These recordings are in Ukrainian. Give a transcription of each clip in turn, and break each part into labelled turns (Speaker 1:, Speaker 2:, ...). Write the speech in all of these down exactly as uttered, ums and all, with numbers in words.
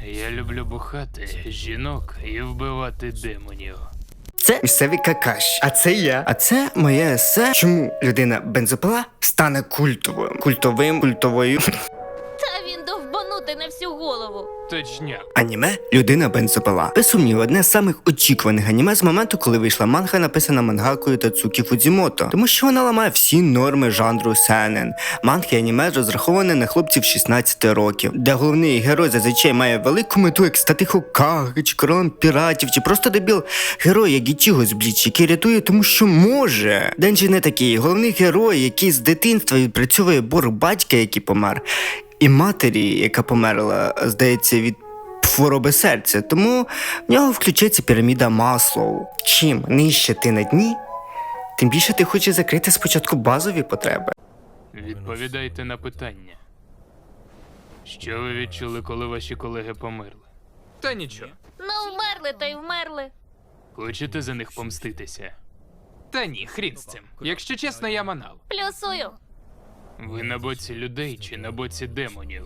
Speaker 1: Я люблю бухати жінок і вбивати демонів.
Speaker 2: Це місцевий какаш, а це я. А це моє есе. Чому людина бензопила стане культовою? Культовим, культовою.
Speaker 3: Та він довбанутий на всю голову.
Speaker 1: Точняк.
Speaker 2: Аніме «Людина бензопила». Без сумніву, одне з самих очікуваних аніме з моменту, коли вийшла манга, написана мангакою Тацукі Фудзімото. Тому що вона ламає всі норми жанру сенен. Манги і аніме розраховане на хлопців шістнадцяти років, де головний герой зазвичай має велику мету, як стати Хокаге, чи королем піратів, чи просто дебіл герой, як Ічіго з Бліч, який рятує тому, що може. Денджі не такий. Головний герой, який з дитинства відпрацьовує борг батька, який помер, і матері, яка померла, здається, від хвороби серця. Тому в нього включається піраміда Маслоу. Чим нижче ти на дні, тим більше ти хочеш закрити спочатку базові потреби.
Speaker 1: Відповідайте на питання. Що ви відчули, коли ваші колеги померли? Та нічого.
Speaker 3: Ну, вмерли та й вмерли.
Speaker 1: Хочете за них помститися? Та ні, хрін з цим. Якщо чесно, я манал.
Speaker 3: Плюсую.
Speaker 1: Ви на боці людей чи на боці демонів?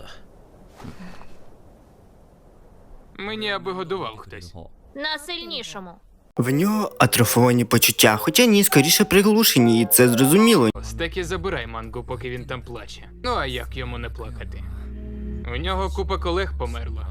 Speaker 1: Мені аби годував хтось.
Speaker 3: На сильнішому.
Speaker 2: В нього атрофовані почуття, хоча ні, скоріше приглушені, і це зрозуміло.
Speaker 1: Ось так і забирай мангу, поки він там плаче. Ну а як йому не плакати? У нього купа колег померла.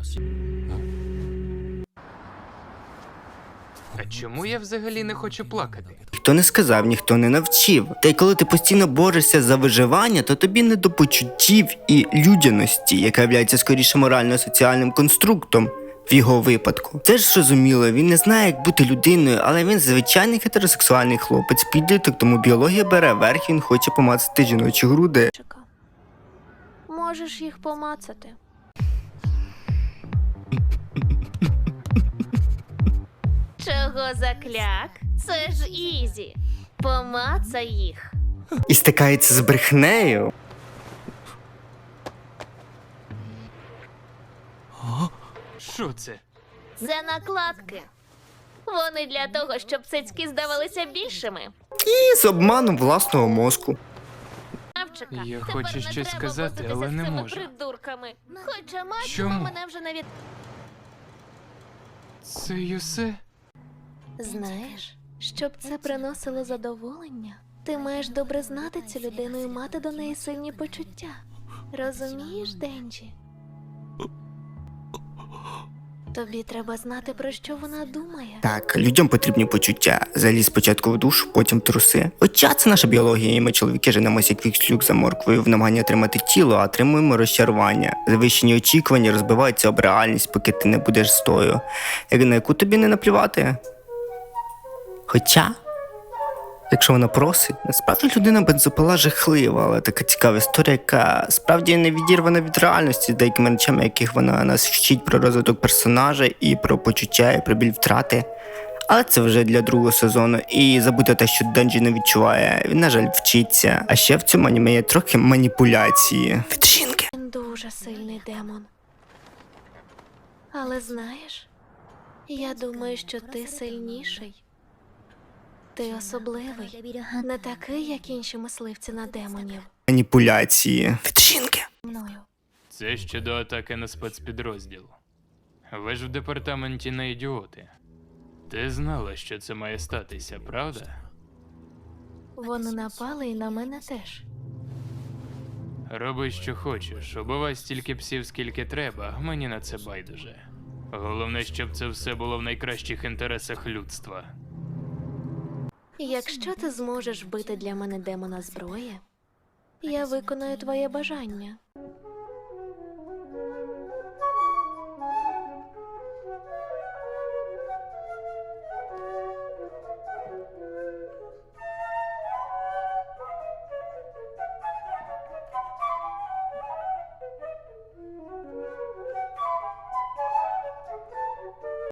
Speaker 1: А чому я взагалі не хочу плакати?
Speaker 2: Ніхто не сказав, ніхто не навчив. Та й коли ти постійно борешся за виживання, то тобі не до почуттів і людяності, яка являється скоріше морально-соціальним конструктом в його випадку. Це ж зрозуміло, він не знає, як бути людиною, але він звичайний гетеросексуальний хлопець, підліток, тому біологія бере верх, він хоче помацати жіночі груди.
Speaker 3: Можеш їх помацати. Чого закляк? Це ж ізі. Помацай їх.
Speaker 2: І стикається з брехнею.
Speaker 1: Що це?
Speaker 3: Це накладки. Вони для того, щоб цицьки здавалися більшими.
Speaker 2: І з обманом власного мозку.
Speaker 3: Навчика.
Speaker 1: Я
Speaker 3: Тепер
Speaker 1: хочу
Speaker 3: не
Speaker 1: щось
Speaker 3: треба
Speaker 1: сказати,
Speaker 3: возитися
Speaker 1: але
Speaker 3: з
Speaker 1: не
Speaker 3: цими
Speaker 1: можу.
Speaker 3: придурками. Хоча мать
Speaker 1: Чому?
Speaker 3: мене вже навіть...
Speaker 1: Це й усе?
Speaker 3: Знаєш, щоб це приносило задоволення, ти маєш добре знати цю людину і мати до неї сильні почуття. Розумієш, Денджі? Тобі треба знати, про що вона думає.
Speaker 2: Так, людям потрібні почуття. Заліз спочатку в душ, потім в труси. Хоча це наша біологія, і ми, чоловіки, женемося як вікслюк за морквою в намаганні отримати тіло, а отримуємо розчарування. Завищені очікування розбиваються об реальність, поки ти не будеш стою, як на яку тобі не наплювати. Хоча, якщо вона просить, насправді людина бензопила жахлива, але така цікава історія, яка справді не відірвана від реальності з деякими речами, яких вона нас вчить про розвиток персонажа і про почуття, і про біль втрати. Але це вже для другого сезону. І забудьте те, що Денджі не відчуває, він, на жаль, вчиться. А ще в цьому аніме є трохи маніпуляції від жінки.
Speaker 3: Він дуже сильний демон. Але знаєш, я думаю, що ти сильніший. Ти особливий. Не такий, як інші мисливці на демонів.
Speaker 2: Маніпуляції від жінки.
Speaker 3: Мною.
Speaker 1: Це щодо атаки на спецпідрозділ. Ви ж в департаменті не ідіоти. Ти знала, що це має статися, правда?
Speaker 3: Вони напали і на мене теж.
Speaker 1: Роби, що хочеш, убивай стільки псів, скільки треба, мені на це байдуже. Головне, щоб це все було в найкращих інтересах людства.
Speaker 3: Якщо ти зможеш вбити для мене демона зброї, я виконаю твоє бажання.